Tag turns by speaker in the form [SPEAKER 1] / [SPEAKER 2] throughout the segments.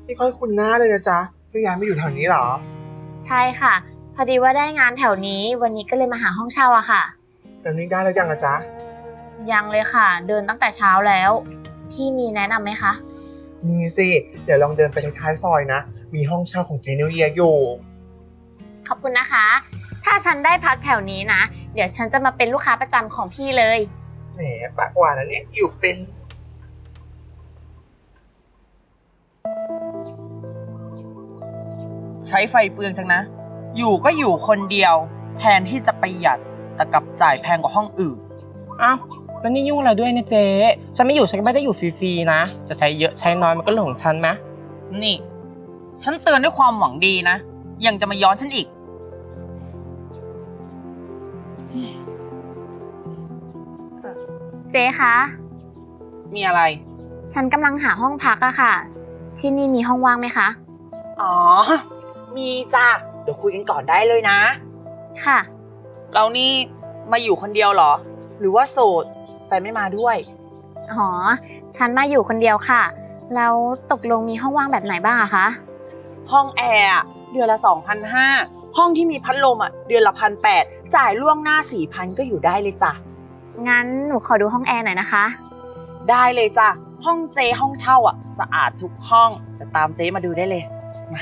[SPEAKER 1] ไม่ค่อยคุ้นหน้าเลยนะจ๊ะเพิ่งย้ายมาอยู่แถวนี้เหรอ
[SPEAKER 2] ใช่ค่ะพอดีว่าได้งานแถวนี้วันนี้ก็เลยมาหาห้องเช่าอะค่ะ
[SPEAKER 1] แล้วนี่ได้แล้วยังอะจ๊ะ
[SPEAKER 2] ยังเลยค่ะเดินตั้งแต่เช้าแล้วพี่มีแนะนำไหมคะ
[SPEAKER 1] มีสิเดี๋ยวลองเดินไปท้ายซอยนะมีห้องเช่าของเจนิวเยียอยู่
[SPEAKER 2] ขอบคุณนะคะถ้าฉันได้พักแถวนี้นะเดี๋ยวฉันจะมาเป็นลูกค้าประจำของพี่เลย
[SPEAKER 1] แหมปากหวานนะเนี่ยอยู่เป็น
[SPEAKER 3] ใช้ไฟเปลืองจังนะอยู่ก็อยู่คนเดียวแทนที่จะประหยัดแต่กลับจ่ายแพงกว่าห้องอื่น
[SPEAKER 4] อ้าวแล้วนี่ยุ่งอะไรด้วยเนี่ยเจ๊ฉันไม่อยู่ฉันก็ไม่ได้อยู่ฟรีๆนะจะใช้เยอะใช้น้อยมันก็เรื่องของฉันนะ
[SPEAKER 3] นี่ฉันเตือนด้วยความหวังดีนะยังจะมาย้อนฉันอีก
[SPEAKER 2] เจ๊คะ
[SPEAKER 3] มีอะไร
[SPEAKER 2] ฉันกำลังหาห้องพักอะค่ะที่นี่มีห้องว่างไหมคะ
[SPEAKER 3] อ๋อมีจ้ะเดี๋ยวคุยกันก่อนได้เลยนะ
[SPEAKER 2] ค่ะ
[SPEAKER 3] เรานี่มาอยู่คนเดียวเหรอหรือว่าโสดแฟนไม่มาด้วย
[SPEAKER 2] อ๋อฉันมาอยู่คนเดียวค่ะแล้วตกลงมีห้องว่างแบบไหนบ้างอะคะ
[SPEAKER 3] ห้องแอร์เดือนละ 2,500 ห้องที่มีพัดลมเดือนละ 1,800 จ่ายล่วงหน้า 4,000 ก็อยู่ได้เลยจ้ะ
[SPEAKER 2] งั้นหนูขอดูห้องแอร์หน่อยนะคะ
[SPEAKER 3] ได้เลยจ้ะห้องเจห้องเช่าสะอาดทุกห้องเดี๋ยวตามเจมาดูได้เลยมา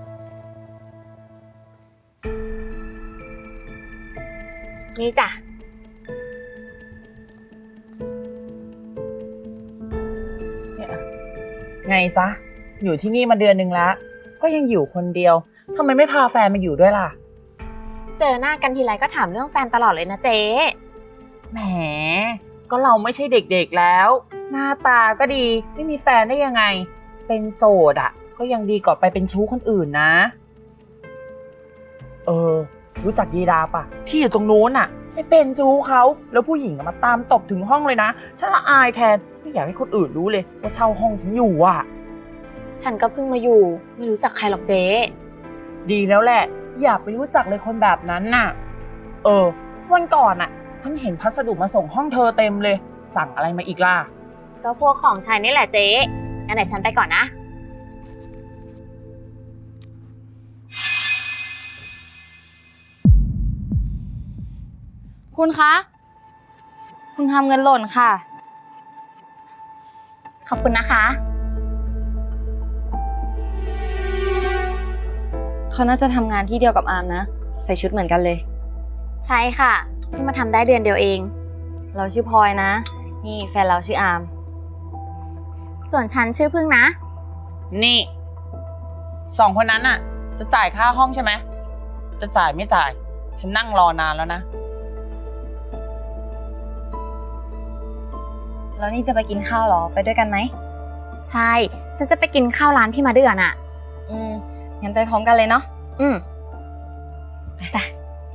[SPEAKER 2] นี่จ้ะ
[SPEAKER 3] ไงจ๊ะอยู่ที่นี่มาเดือนหนึ่งแล้วก็ยังอยู่คนเดียวทำไมไม่พาแฟนมาอยู่ด้วยล่ะ
[SPEAKER 2] เจอหน้ากันทีไรก็ถามเรื่องแฟนตลอดเลยนะเจ๊
[SPEAKER 3] แหมก็เราไม่ใช่เด็กๆแล้วหน้าตาก็ดีไม่มีแฟนได้ยังไงเป็นโสดก็ยังดีกว่าไปเป็นชู้คนอื่นนะรู้จักยีดาปะที่อยู่ตรงนู้นไม่เป็นชู้เขาแล้วผู้หญิงมาตามตบถึงห้องเลยนะฉันละอายแทนไม่อยากให้คนอื่นรู้เลยว่าเช่าห้องฉันอยู่
[SPEAKER 2] ฉันก็เพิ่งมาอยู่ไม่รู้จักใครหรอกเจ๊
[SPEAKER 3] ดีแล้วแหละอย่าไปรู้จักเลยคนแบบนั้นวันก่อนฉันเห็นพัสดุมาส่งห้องเธอเต็มเลยสั่งอะไรมาอีกล่ะ
[SPEAKER 2] ก็พวกของใช้นี่แหละเจ๊งั้นเดี๋ยวฉันไปก่อนนะ
[SPEAKER 5] คุณคะคุณทำเงินหล่นค่ะ
[SPEAKER 2] ขอบคุณนะคะ
[SPEAKER 5] เขาน่าจะทำงานที่เดียวกับอาร์มนะใส่ชุดเหมือนกันเลย
[SPEAKER 2] ใช่ค่ะเพิ่งมาทำได้เดือนเดียวเอง
[SPEAKER 5] เราชื่อพลอยนะนี่แฟนเราชื่ออาร์ม
[SPEAKER 2] ส่วนฉันชื่อพึ่งนะ
[SPEAKER 3] นี่2 คนนั้นจะจ่ายค่าห้องใช่ไหมจะจ่ายไม่จ่ายฉันนั่งรอนานแล้วนะ
[SPEAKER 5] แล้วนี่จะไปกินข้าวเหรอไปด้วยกันไหม
[SPEAKER 2] ใช่ฉันจะไปกินข้าวร้านพี่มาเดือน
[SPEAKER 5] งั้นไปพร้อมกันเลยเนาะ
[SPEAKER 2] ไป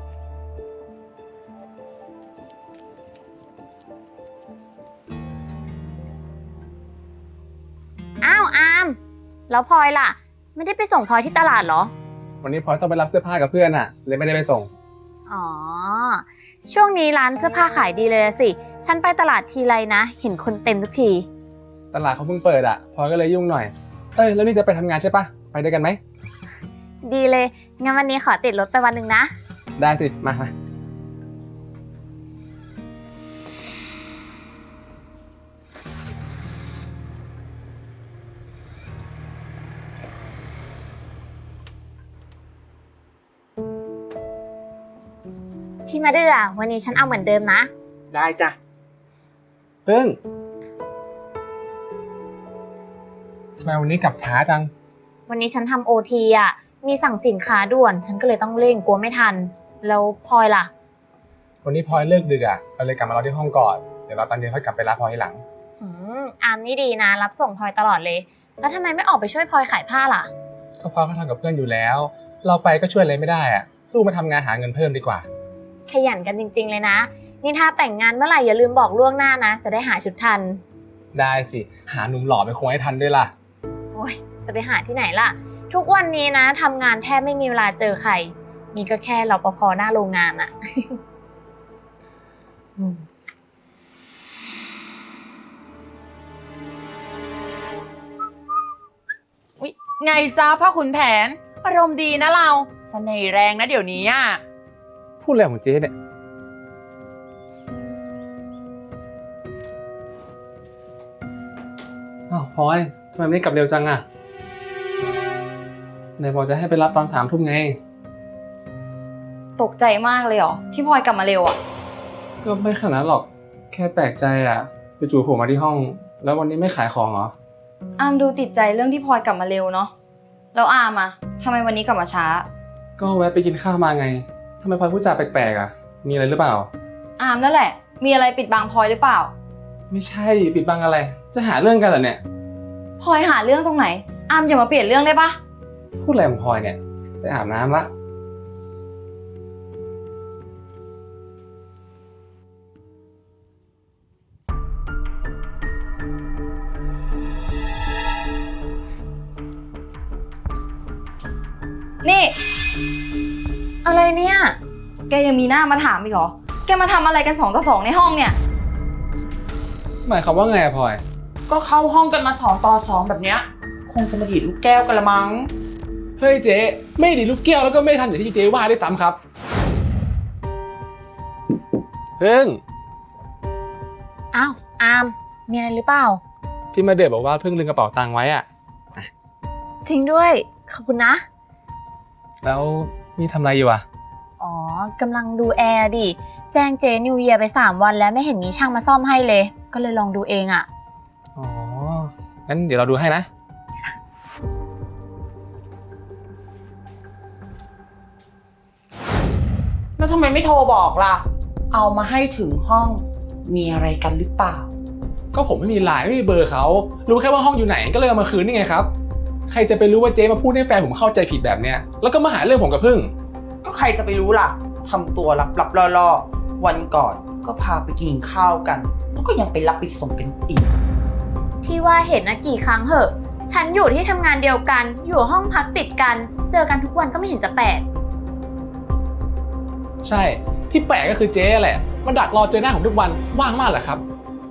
[SPEAKER 2] อ้าวอามแล้วพลอยล่ะไม่ได้ไปส่งพลอยที่ตลาดเหรอ
[SPEAKER 6] วันนี้พลอยต้องไปรับเสื้อผ้ากับเพื่อนเลยไม่ได้ไปส่ง
[SPEAKER 2] อ๋อช่วงนี้ร้านเสื้อผ้าขายดีเลยสิฉันไปตลาดทีไรนะเห็นคนเต็มทุกที
[SPEAKER 6] ตลาดเขาเพิ่งเปิดพลอยก็เลยยุ่งหน่อยแล้วนี่จะไปทำงานใช่ปะไปด้วยกันไหม
[SPEAKER 2] ดีเลยงั้นวันนี้ขอติดรถไปวันหนึ่งนะ
[SPEAKER 6] ได้สิมา
[SPEAKER 2] พี่มาเดือวันนี้ฉันเอาเหมือนเดิมนะ
[SPEAKER 1] ได้จ้ะ
[SPEAKER 6] พึ่งทำไมวันนี้กลับช้าจัง
[SPEAKER 2] วันนี้ฉันทำโอทีมีสั่งสินค้าด่วนฉันก็เลยต้องเร่งกลัวไม่ทันแล้วพลอยล่ะ
[SPEAKER 6] วันนี้พลอยเลิกดึกเราเลยกลับมารอที่ห้องก่อนเดี๋ยวเราตอนเย็นค่อยกลับไปรับพลอยทีหลัง
[SPEAKER 2] อามนี่ดีนะรับส่งพลอยตลอดเลยแล้วทำไมไม่ออกไปช่วยพลอยขายผ้าล่ะ
[SPEAKER 6] ก็พลอยเขาทำกับเพื่อนอยู่แล้วเราไปก็ช่วยอะไรไม่ได้สู้มาทำงานหาเงินเพิ่มดีกว่า
[SPEAKER 2] ขยันกันจริงๆเลยนะนี่ถ้าแต่งงานเมื่อไหร่อย่าลืมบอกล่วงหน้านะจะได้หาชุดทัน
[SPEAKER 6] ได้สิหาหนุ่มหล่อไปคงให้ทันด้วยล่ะ
[SPEAKER 2] โอ้ยจะไปหาที่ไหนล่ะทุกวันนี้นะทำงานแทบไม่มีเวลาเจอใครนี่ก็แค่รปภ.หน้าโรงงาน
[SPEAKER 3] ไงจ้าพ่อขุนแผน อารมณ์ดีนะเราเสน่ห์แรงนะเดี๋ยวนี้อ่ะ
[SPEAKER 6] พูดอะไรของเจ๊เนี่ยอ้าวพลอยทำไมไม่ได้กลับเร็วจังอะไหนบอกจะให้ไปรับตอน3 ทุ่มไง
[SPEAKER 5] ตกใจมากเลยเหรอที่พลอยกลับมาเร็วอะ
[SPEAKER 6] ก็ไม่ขนาดนั้นหรอกแค่แปลกใจอะจู่ๆโผล่มาที่ห้อง แล้ววันนี้ไม่ขายของเหรอ
[SPEAKER 5] อามดูติดใจเรื่องที่พลอยกลับมาเร็วเนาะแล้วอามอะทำไมวันนี้กลับมาช้า
[SPEAKER 6] ก็แวะไปกินข้าวมาไงทำไมพลอยพูดจาแปลกๆอะมีอะไรหรือเปล่า
[SPEAKER 5] อามนั่นแหละ มีอะไรปิดบังพลอยหรือเปล่า
[SPEAKER 6] ไม่ใช่ปิดบังอะไร จะหาเรื่องกันเหรอเนี่ย
[SPEAKER 5] พลอยหาเรื่องตรงไหน อามอย่ามาเปลี่ยนเรื่องได้ปะ
[SPEAKER 6] พูดอะไรของพลอยเนี่ยไปอาบน้ำละ
[SPEAKER 5] นี่
[SPEAKER 2] อะไรเนี่ย
[SPEAKER 5] แกยังมีหน้ามาถามอีกเหรอ แกมาทำอะไรกัน2 ต่อ 2ในห้องเนี่ย
[SPEAKER 6] หมายความว่าไงอะพลอย
[SPEAKER 3] ก็เข้าห้องกันมา2 ต่อ 2แบบเนี้ยคงจะมาดีดลูกแก้วกันละมั้ง
[SPEAKER 6] เฮ้ยเจ๊ไม่ดีลูกแก้วแล้วก็ไม่ทำอย่างที่เจ๊ว่าได้วยซ้ำครับเพิ่ง
[SPEAKER 2] อ้าวอามมีอะไรหรือเปล่า
[SPEAKER 6] พี่มาเดือบอกว่าเพิ่งลืมกระเป๋าตังค์ไว้อะ
[SPEAKER 2] จริงด้วย ขอบคุณนะ
[SPEAKER 6] แล้วนี่ทำอะไรอยู่อะ
[SPEAKER 2] อ๋อกำลังดูแอร์ดิ แจ้งเจนิวเยียไป3 วันแล้วไม่เห็นมีช่างมาซ่อมให้เลย ก็เลยลองดูเองอะ
[SPEAKER 6] อ๋องั้นเดี๋ยวเราดูให้นะ
[SPEAKER 3] แล้วทำไมไม่โทรบอกล่ะ เอามาให้ถึงห้อง มีอะไรกันหรือเปล่า
[SPEAKER 6] ก็ผมไม่มีไลน์ไม่มีเบอร์เขารู้แค่ว่าห้องอยู่ไหนก็เลยเอามาคืนนี่ไงครับใครจะไปรู้ว่าเจ๊มาพูดให้แฟนผมเข้าใจผิดแบบเนี้ยแล้วก็มาหาเรื่องผมกับพึ่ง
[SPEAKER 3] ก็ใครจะไปรู้ล่ะทำตัวลับๆล่อๆวันก่อนก็พาไปกินข้าวกัน แล้วก็ยังไปรับไปส่งกันอีก
[SPEAKER 2] ที่ว่าเห็นนะกี่ครั้งเหอะ ฉันอยู่ที่ทำงานเดียวกัน อยู่ห้องพักติดกัน เจอกันทุกวันก็ไม่เห็นจะแปลก
[SPEAKER 6] ใช่ที่แปลกก็คือเจ๊แหละมาดักรอเจอหน้าผมทุกวันว่างมากเหรอครับ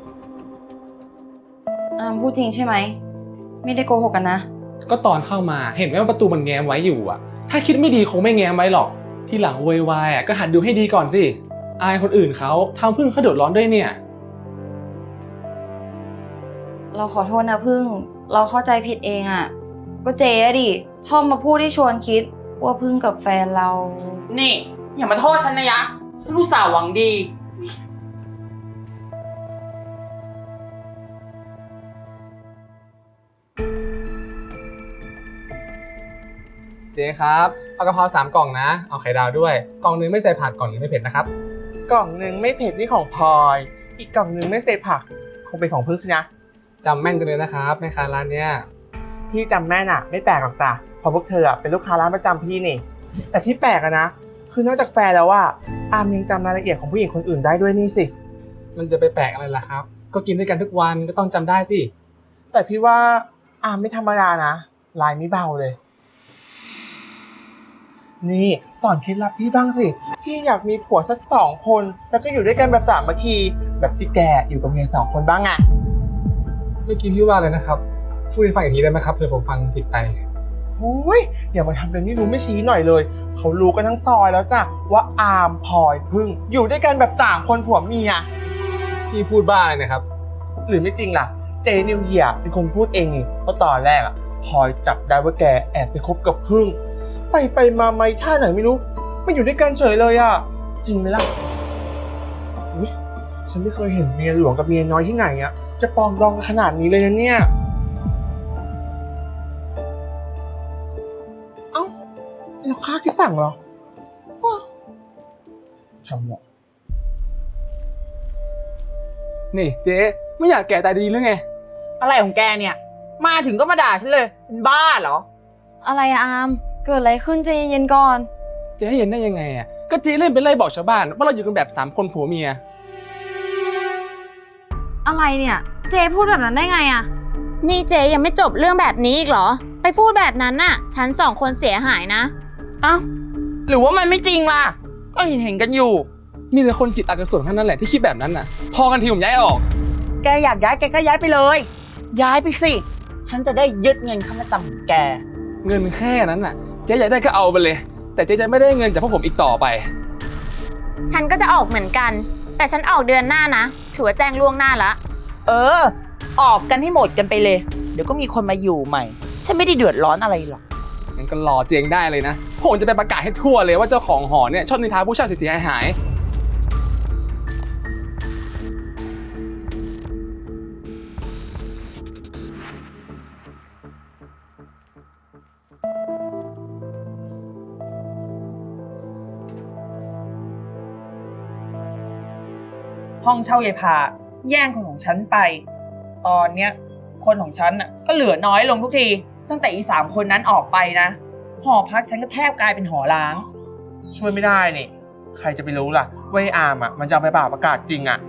[SPEAKER 5] อามพูดจริงใช่ไหม ไม่ได้โกหกกันนะ
[SPEAKER 6] ก็ตอนเข้ามาเห็นไหมว่าประตูมันแง้มไว้อยู่อะถ้าคิดไม่ดีคงไม่แง้มไว้หรอกทีหลังโวยวายอะก็หัดดูให้ดีก่อนสิอายคนอื่นเขาทำพึ่งเขาเดือดร้อนด้วยเนี่ย
[SPEAKER 5] เราขอโทษนะพึ่ง เราเข้าใจผิดเองอะก็เจ๊อะดิ ชอบมาพูดให้ชวนคิดว่าพึ่งกับแฟนเรา
[SPEAKER 3] นี่ อย่ามาโทษฉันนะยะ ฉันอุตส่าห์หวังดี
[SPEAKER 6] เจ๊ครับเอากะเพรา3 กล่องนะเอาไข่ดาวด้วยกล่องนึงไม่ใส่ผักกล่องนึงไม่เผ็ดนะครับ
[SPEAKER 1] กล่องหนึ่งไม่เผ็ดนี่ของพลอย อีกกล่องหนึ่งไม่ใส่ผัก คงเป็นของพึ่งสินะ
[SPEAKER 6] จำแม่นกันเลยนะครับแม่ค้าร้านเนี้ย
[SPEAKER 1] พี่จำแม่น่ะ ไม่แปลกหรอกจ้ะเพราะพวกเธออะเป็นลูกค้าร้านประจำพี่นี่ แต่ที่แปลกอะนะ คือนอกจากแฟนแล้วว่าอามยังจำรายละเอียดของผู้หญิงคนอื่นได้ด้วยนี่สิ
[SPEAKER 6] มันจะไปแปลกอะไรล่ะครับ ก็กินด้วยกันทุกวันก็ต้องจำได้สิ
[SPEAKER 1] แต่พี่ว่าอามไม่ธรรมดานะลายไม่เบาเลย นี่สอนเคล็ดลับพี่บ้างสิ พี่อยากมีผัวสัก2 คน แล้วก็อยู่ด้วยกันแบบสามัคคีแบบที่แกอยู่กับเมีย2 คนบ้างอะ
[SPEAKER 6] เมื่อกี้พี่ว่าเลยนะครับพูดให้ฟังอีกทีได้ไหมครับเผื่อผมฟังผิดไป
[SPEAKER 1] โอ้ยอย่ามาทำเป็นไม่รู้ไม่ชี้หน่อยเลย เขารู้กันทั้งซอยแล้วจ้ะว่าอามพลอยพึ่งอยู่ด้วยกันแบบ3 คนผัวเมีย
[SPEAKER 6] พี่พูดบ้าอะไรนะครับ
[SPEAKER 1] หรือไม่จริงล่ะ เจนิวเยียร์เป็นคนพูดเองนี่เพราะตอนแรกอะพลอยจับได้ว่าแกแอบไปคบกับพึ่ง ไปมาไม่ท่าไหนไม่รู้ไม่อยู่ด้วยกันเฉยเลยอะจริงไหมล่ะอุ๊ยฉันไม่เคยเห็นเมียหลวงกับเมียน้อยที่ไหนอะจะปองดองกันขนาดนี้เลยนะเนี่ยเอ้าแล้วข้าวที่สั่งเหรออ้อทำหรอ
[SPEAKER 6] นี่เจ๊ไม่อยากแก่ตายดีหรือไง
[SPEAKER 3] อะไรของแกเนี่ย มาถึงก็มาด่าฉันเลย เป็นบ้าเหรอ
[SPEAKER 5] อะไรอะอาม เกิดอะไรขึ้นใจเย็นๆก่อน
[SPEAKER 6] เจ๊ให้เย็นได้ยังไงอ่ะก็เจ๊เล่นไปไล่บอกชาวบ้านว่าเราอยู่กันแบบ3 คนผัวเมีย
[SPEAKER 5] อะไรเนี่ย เจ๊พูดแบบนั้นได้ไงอะ
[SPEAKER 2] นี่เจยังไม่จบเรื่องแบบนี้อีกเหรอ ไปพูดแบบนั้นน่ะ ฉัน2 คนเสียหายนะ
[SPEAKER 3] เอ้า หรือว่ามันไม่จริงล่ะ ก็เห็นกันอยู่
[SPEAKER 6] มีแต่คนจิตอกุศลเท่านั้นแหละที่คิดแบบนั้นน่ะ พอกันทีผมย้ายออก
[SPEAKER 3] แกอยากย้ายแกก็ย้ายไปเลย ย้ายไปสิ ฉันจะได้ยึดเงินค่ามาจำของแก
[SPEAKER 6] เงินแค่นั้นน่ะเจ๊อยากได้ก็เอาไปเลย แต่เจ๊จะไม่ได้เงินจากพวกผมอีกต่อไป
[SPEAKER 2] ฉันก็จะออกเหมือนกัน แต่ฉันออกเดือนหน้านะ ถือว่าแจ้งล่วงหน้าละ
[SPEAKER 3] เออ ออกกันให้หมดกันไปเลย เดี๋ยวก็มีคนมาอยู่ใหม่ ฉันไม่ได้เดือดร้อนอะไรหรอก
[SPEAKER 6] งั้นก็รอเจ๊งได้เลยนะ ผมจะไปประกาศให้ทั่วเลยว่าเจ้าของหอเนี่ยชอบนินทาผู้เช่าเสียหาย
[SPEAKER 3] ห้องเช่ายายพาแย่งคนของฉันไป ตอนเนี้ยคนของฉันน่ะก็เหลือน้อยลงทุกที ตั้งแต่อี3 คนนั้นออกไปนะ หอพักฉันก็แทบกลายเป็นหอร้าง
[SPEAKER 1] ช่วยไม่ได้นี่ ใครจะไปรู้ล่ะว่าไอ้อาร์มอ่ะมันจะเอาไปประกาศจริงอ่ะ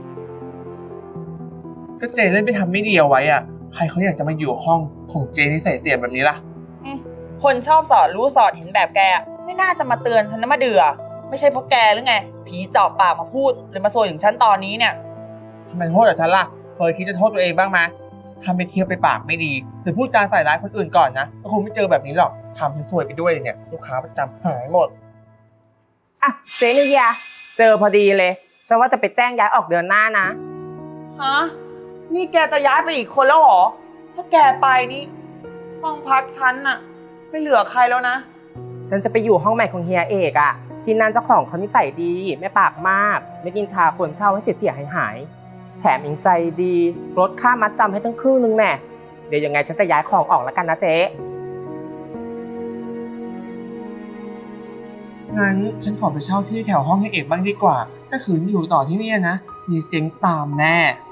[SPEAKER 1] ก็เจเล่นไปทำไม่ดีเอาไว้อ่ะ ใครเขาอยากจะมาอยู่ห้องของเจนิสัยเสียแบบนี้ล่ะ
[SPEAKER 3] คนชอบสอดรู้สอดเห็นแบบแกอะไม่น่าจะมาเตือนฉันนะมาเดือไม่ใช่เพราะแกหรือไง ผีเจาะปากมาพูดเลยมาโซยถึงฉันตอนนี้เนี่ย
[SPEAKER 1] ทำไมโทษแต่ฉันล่ะ เคยคิดจะโทษตัวเองบ้างไหมถ้าไม่เที่ยวไปปากไม่ดี หรือพูดจาใส่ร้ายคนอื่นก่อนนะ ก็คงไม่เจอแบบนี้หรอกทำให้ซวยไปด้วยเนี่ย ลูกค้าประจำหายหมด
[SPEAKER 4] อ่ะเจนิวยาเจอพอดีเลยฉันว่าจะไปแจ้งย้ายออกเดือนหน้านะ
[SPEAKER 3] ฮะ นี่แกจะย้ายไปอีกคนแล้วเหรอ ถ้าแกไปนี่ห้องพักฉันน่ะ ไม่เหลือใครแล้วนะ
[SPEAKER 4] ฉันจะไปอยู่ห้องใหม่ของเฮียเอกอะที่นั่นเจ้าของเขานิสัยดีไม่ปากมาก ไม่กินทาคนเช่าให้เสียหายแถมยังใจดีลดค่ามัดจำให้ตั้งครึ่งนึงแน่เดี๋ยวยังไงฉันจะย้ายของออกแล้วกันนะเจ๊
[SPEAKER 1] งั้นฉันขอไปเช่าที่แถวห้องให้เอกบ้างดีกว่า ถ้าขืนอยู่ต่อที่เนี่ยนะ มีเจ๊งตามแน่